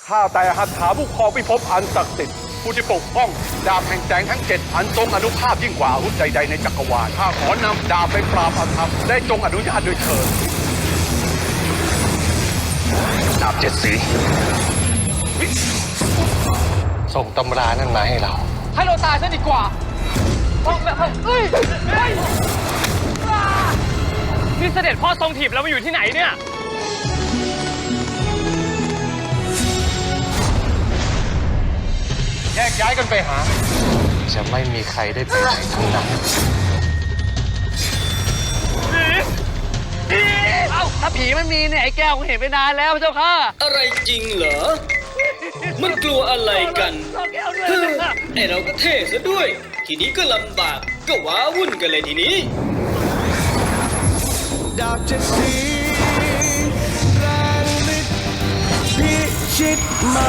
ข้าแต่หัตถาผู้ครองพิภพอันศักดิ์สิทธิ์ผู้ที่ปกป้องดาบแห่งแสงทั้ง7อันทรงอนุภาพยิ่งกว่าอาวุธใดๆในจักรวาลข้าขอนำดาบไปปราบอาธรรมได้จงอนุญาตด้วยเถิดดาบ7 สีส่งตำรานั่นมาให้เราให้เราตายซะดีกว่านี่เสด็จพ่อทรงถีบเรามาอยู่ที่ไหนเนี่ยแยกย้ายกันไปหาจะไม่มีใครได้ไปไหนทั้งนั้นเอ้าถ้าผีมันมีเนี่ยไอ้แก้วผมเห็นไปนานแล้วเจ้าค่ะอะไรจริงเหรอ มันกลัวอะไรกันไอเราก็เท่ซะด้วย ทีนี้ก็ลำบากก็ว้าวุ่นกันเลยทีนี้ดาบ7 สีแรงฤทธิ์พิชิตมา